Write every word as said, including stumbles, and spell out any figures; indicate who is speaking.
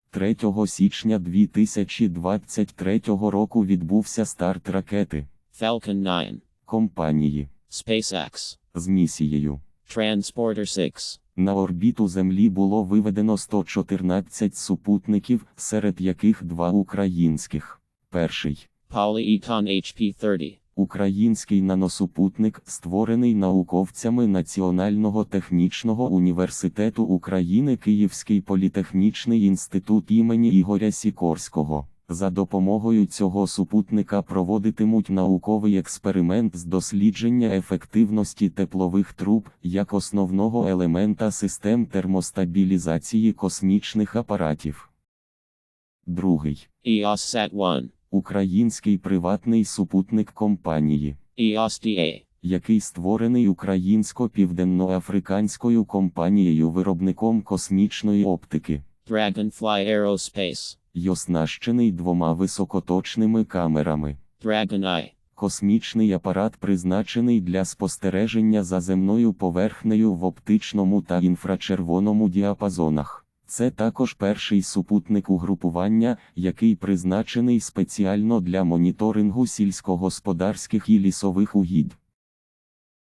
Speaker 1: третього січня дві тисячі двадцять третього року відбувся старт ракети
Speaker 2: Falcon nine
Speaker 1: компанії
Speaker 2: SpaceX
Speaker 1: з місією
Speaker 2: Transporter six.
Speaker 1: На орбіту Землі було виведено сто чотирнадцять супутників, серед яких два українських. Перший
Speaker 2: Polyecon H P thirty.
Speaker 1: Український наносупутник, створений науковцями Національного технічного університету України Київський політехнічний інститут імені Ігоря Сікорського. За допомогою цього супутника проводитимуть науковий експеримент з дослідження ефективності теплових труб, як основного елемента систем термостабілізації космічних апаратів. Другий
Speaker 2: EOSat one.
Speaker 1: Український приватний супутник компанії
Speaker 2: EOSDA.
Speaker 1: який створений українсько-південноафриканською компанією-виробником космічної оптики,
Speaker 2: Dragonfly Aerospace.
Speaker 1: й оснащений двома високоточними камерами.
Speaker 2: Dragon Eye.
Speaker 1: Космічний апарат призначений для спостереження за земною поверхнею в оптичному та інфрачервоному діапазонах. Це також перший супутник угрупування, який призначений спеціально для моніторингу сільськогосподарських і лісових угідь.